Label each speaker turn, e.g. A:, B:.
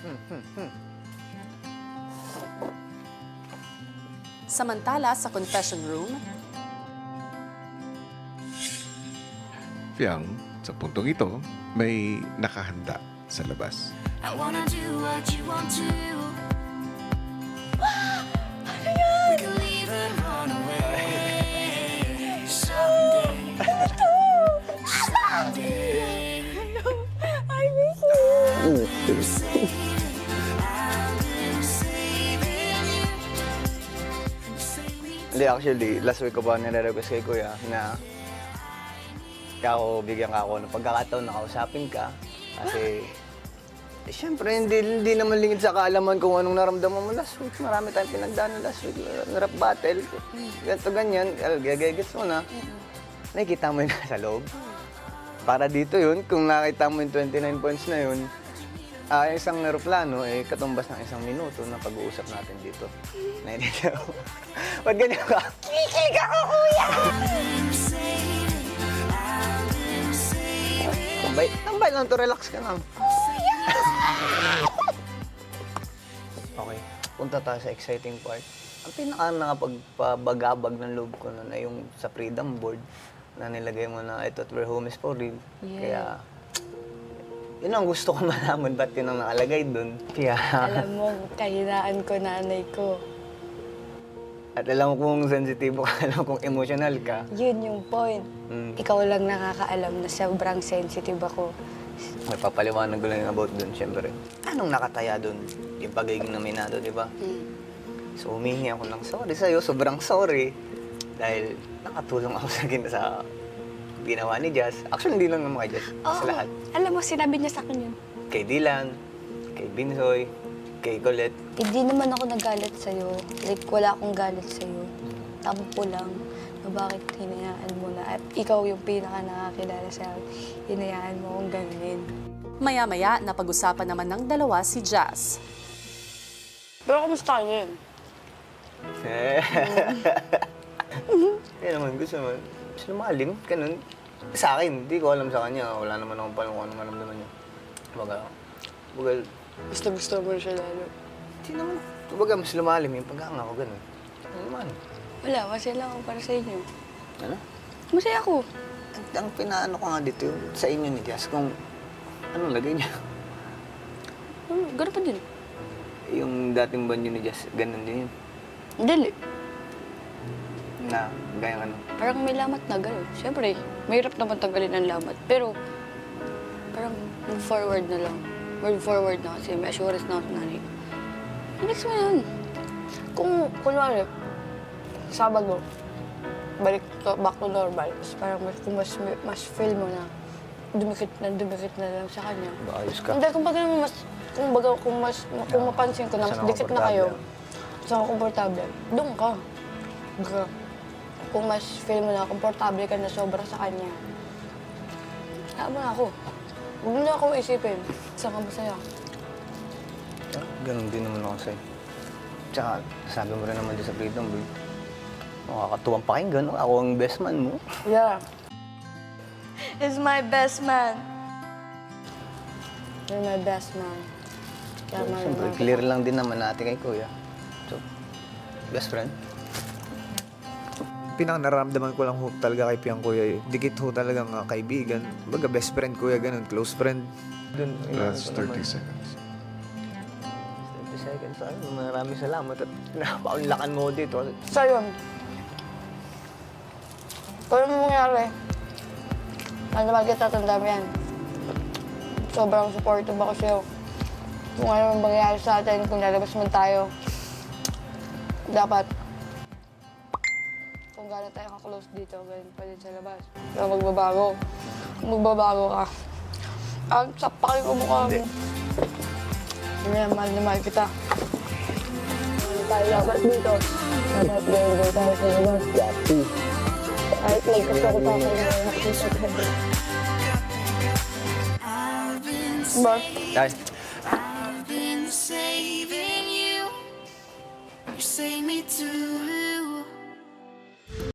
A: Samantala sa confession room,
B: Fiang, sa puntong ito, may nakahanda sa labas.
C: I wanna do what you want to. We can leave and run away someday. Someday.
D: I miss you.
E: Hindi, actually, last week ko pa nire-request kay Kuya na bigyan ka ako ng pagkakataon na kausapin ka. Kasi, siyempre, hindi naman lingid sa kaalaman kung anong naramdaman mo last week. Marami tayong pinagdaanan last week. Rap battle, ganito, ganyan. Gagagets mo na. Nakikita mo yun sa loob. Para dito yun, kung nakita mo yung 29 points na yun, isang aeroplano, katumbas ng isang minuto na pag-uusap natin dito. Naintindihan mo? Ba't ganyan ka? Kikig ako, Kuya! Tambay lang to, relax ka lang. Okay, punta tayo sa exciting part. Ang nakapagpabagabag ng loob ko nun ay yung sa freedom board na nilagay mo na I thought we're homies for real.
D: Yeah.
E: Kaya, yun ang gusto ko malaman, ba't yun ang nakalagay dun. Kaya,
D: Alam mo, kahinaan ko, nanay ko.
E: at alam ko kung sensitibo ka, alam kong emotional ka.
D: Yun yung point. Ikaw lang nakakaalam na sobrang sensitive ako.
E: May papaliwanag ko lang about dun, syempre. Anong nakataya dun? Yung pagiging nominado, di ba? So, humingi ako ng sorry sa'yo, sobrang sorry. Dahil nakatulong ako sa ginawa ni Jazz. Actually, hindi lang naman kay Jazz, sa lahat.
D: Alam mo, sinabi niya sa akin yun.
E: Kay Dylan, kay Binsoy, kay Colette.
D: Hindi naman ako nagalit sa'yo. Like, wala akong galit sa'yo. Tampo lang na bakit hinayaan mo na. At ikaw yung pinaka nakakilala sa akin. Hinayaan mo akong ganunin.
A: maya-maya napag-usapan naman ng dalawa si Jazz.
D: Pero kumusta ka yun?
E: Yan naman, gusto naman. Gusto lumalim, ganun. Sa akin, hindi ko alam sa kanya. Wala naman akong palang kung ano maramdaman niya. Baga,
D: Gusto mo siya lalo.
E: hindi naman. Baga, mas lumalim yung pagkakanga ko, ganun. Ano naman?
D: Wala, masaya lang ako para sa inyo.
E: Ano?
D: Masaya ako.
E: Ang pinaano ko nga dito yung sa inyo ni Jazz, kung anong lagay niya.
D: Gano'n pa din.
E: Yung dating banyo ni Jazz, ganun din yun.
D: Dili.
E: Na, gaya ano.
D: Parang may lamat na gano'n. Siyempre, mahirap naman tanggalin ang lamat. Pero, parang move forward na lang. Move forward na kasi may assurance na ako sa nanay. Next mo yan. Kung, kunwari, Sabado, back to normal. Tapos parang kung mas feel mo na dumikit na lang sa kanya.
E: Ayos ka.
D: Hindi, kung mapansin ko na mas
E: Saan
D: dikit na kayo, saan ka komportable, doon ka. Kung mas feel mo na komportable ka na sobra sa kanya, tama na ako. Huwag mo na ako isipin. Saan ka masaya?
E: Ganun din naman ako sa'yo. Tsaka, sabi mo rin naman dyan sa freedom, boy. Nakakatuwang pakinggan, no? Ako ang best man mo.
D: Yeah. He's my best man. You're my best man. Kaya
E: Siyempre, clear lang din naman natin kay Kuya. So, best friend.
F: Pinakanaramdaman ko lang ho talaga kay Piang Kuya. Dikit ho talagang kaibigan. Baga best friend Kuya, ganun, close friend.
E: Dun,
B: That's 30 seconds.
E: 30 seconds. Ay, maraming salamat at napaunlakan mo dito.
D: So yun. Kung ano mangyari, ano naman kita tandaan yan. Sobrang supportive ako sa'yo. Kung ano man mangyari sa atin, kung lalabas man tayo, dapat kung gano'n tayo ka-close dito, ganun pa din sa labas. Pero magbabago. Kung magbabago ka, ang sapakin ko mukha mo. Hindi na mahal kita. Ano tayo labas dito? Dapat gawin tayo sa labas. Kahit nagkasako pa ako na nakikita ko. Ba?
E: Dahil,
C: I've been saving you. You save me too.